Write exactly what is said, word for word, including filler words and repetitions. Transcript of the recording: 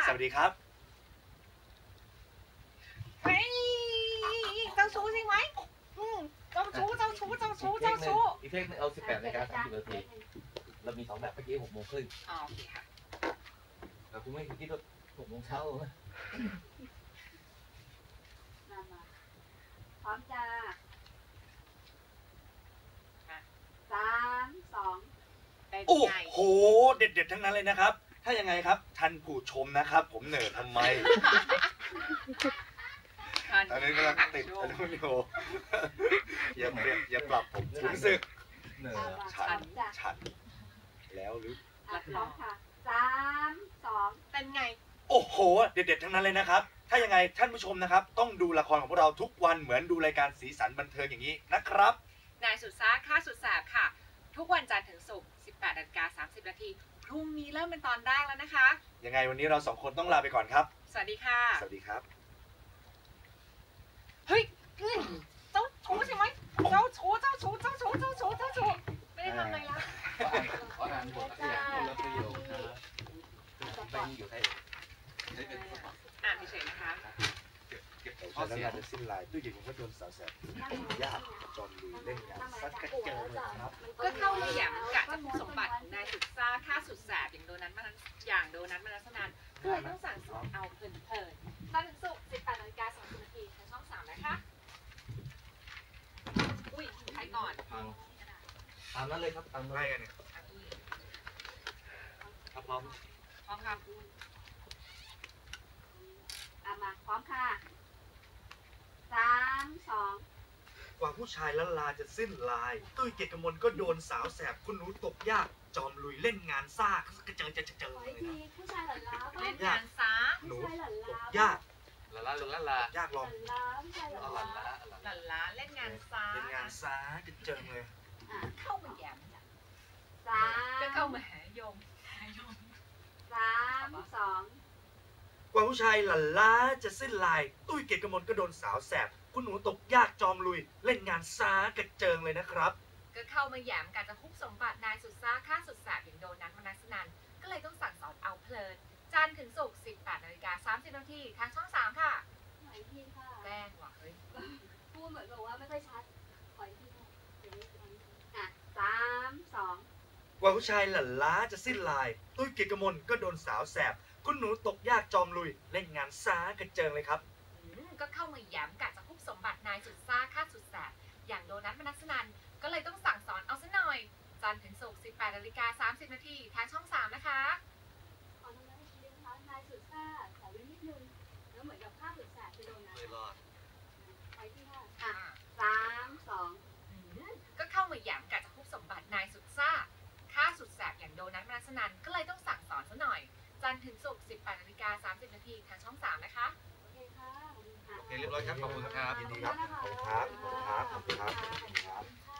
สวัสดีครับเฮ้ยเจ้าชู้ใช่ไหมอืมเจ้าชู้เจ้าชู้เจ้าชู้เจ้าชู้อีกเพลงนึงเอาสิบแปดนาฬิกาสามสิบนาทีเรามีสองแบบเมื่อกี้หกโมงครึ่งอ๋อโอเคค่ะแต่คุณไม่คิดว่าหกโมงเช้านะพร้อมจ้าสามสองโอ้โหเด็ดๆทั้งนั้นเลยนะครับถ้ายังไงครับท่านผู้ชมนะครับผมเหนื่อยทำไมตอนนี้กำลังติดอนุโยอย่าเปลี่ยนอย่าปรับผมรู้สึกเหนื่อยฉันฉันแล้วหรือพร้อมค่ะสามสองเป็นไงโอ้โหเด็ดๆทั้งนั้นเลยนะครับถ้ายังไงท่านผู้ชมนะครับต้องดูละครของพวกเราทุกวันเหมือนดูรายการสีสันบันเทิงอย่างนี้นะครับนายสุดซ่าข้าสุดแสบค่ะทุกวันจันทร์ถึงศุกร์ สิบแปดนาฬิกาสามสิบนาทีพรุ่งนี้เริ่มเป็นตอนแรกแล้วนะคะยังไงวันนี้เราสองคนต้องลาไปก่อนครับสวัสดีค่ะสวัสดีครับเฮ้ยเจ้าชู้ใช่ไหมเจ้าชู้เจ้าชู้เจ้าชู้เจ้าชู้เจ้าชู้ไม่ได้ทำอะไรละขออ่านบทตัวอย่างคนละประโยคครับไปอยู่ใครอ่านเฉยๆนะคะเก็บข้อเสียจะสิ้นลายตู้เย็นผมก็โดนสาวแสบยากจอมลุยเล่นงานซัดกระเจิงเลยครับก็เข้ามาอย่างกะจะคุมสมบัติของนายสุดซ่าฆ่าสุดแสบอย่างโดนัทมาอย่างโดนัทมานัสนันก็เลยต้องสั่งสอนเอาเพลินเพลินจันทร์ถึงศุกร์ สิบแปดนาฬิกาสามสิบนาทีทางช่องสามนะคะอุ้ยใครก่อนฟังตามนั้นเลยครับตามนั้นเลยเนี่ยครับพร้อมพร้อมครับอามาพร้อมค่ะสามสองกว่าผู้ชายละลาจะสิ้นลายตุ้ยเกียรติกมลก็โดนสาวแสบคุณหนูตกยากจอมลุยเล่นงานซ่ากระเจิงจะเจิงเลยนะผู้ชายหลั่นล้าเล่นงานซ่าหนูตกยากละลาลงละลายากลองล้าผู้ชายหลั่นล้าหลั่นล้าเล่นงานซ่าเล่นงานซ่ากระเจิงเลยเข้ามาแย้มสามก็เข้ามาหายมหายมสามสองกว่าผู้ชายหลั่นล้าจะสิ้นลายตุ้ยเกียรติกมลก็โดนสาวแสบคุณหนูตกยากจอมลุยเล่นงานซ่ากระเจิงเลยนะครับก็เข้ามาแย้มการจะคุบสมบัตินายสุดซ่าฆ่าสุดแสบอย่างโดนัทมนัสนันก็เลยต้องสั่งสอนเอาเพลินจันทร์ถึงศุกร์ สิบแปดนาฬิกาสามสิบนาทีทางช่องสามค่ะขออีกทีค่ะแกล้งว่ะเฮ้ยพูดเหมือนแบบว่าไม่ค่อยชัดขออีกทีค่ะเดี๋ยวอ่ะสามสองกว่าผู้ชายหลั่นล้าจะสิ้นลายตุ้ยเกียรติกมลก็โดนสาวแสบคุณหนูตกยากจอมลุยเล่นงานซ่ากระเจิงเลยครับก็เข้ามาแย้มกะจะคุบสมบัตินายสุดซ่าฆ่าสุดแสบอย่างโดนัทมนัสนันก็เลยต้องสั่งสอนเอาซะหน่อยจันทร์ถึงศุกร์ สิบแปดนาฬิกาสามสิบนาทีทางช่องสามนะคะขอทำได้อีกทีนะคะนายสุดซ่าขอเว้นนิดนึงแล้วเหมือนกับฆ่าสุดแสบจะโดนนะไม่รอดไปที่ห้าอ่ะสามสองก็เข้ามาแย้มกะจะคุบสมบัตินายสุดซ่าฆ่าสุดแสบอย่างโดนัทมนัสนันก็เลยต้องสั่งสอนซะหน่อยจันทร์ถึงศุกร์ สิบแปดนาฬิกาสามสิบนาทีทางช่องสามนะคะโอเคค่ะโอเคเรียบร้อยครับขอบคุณครับยินดีครับขอบคุณครับขอบคุณครับขอบคุณครับ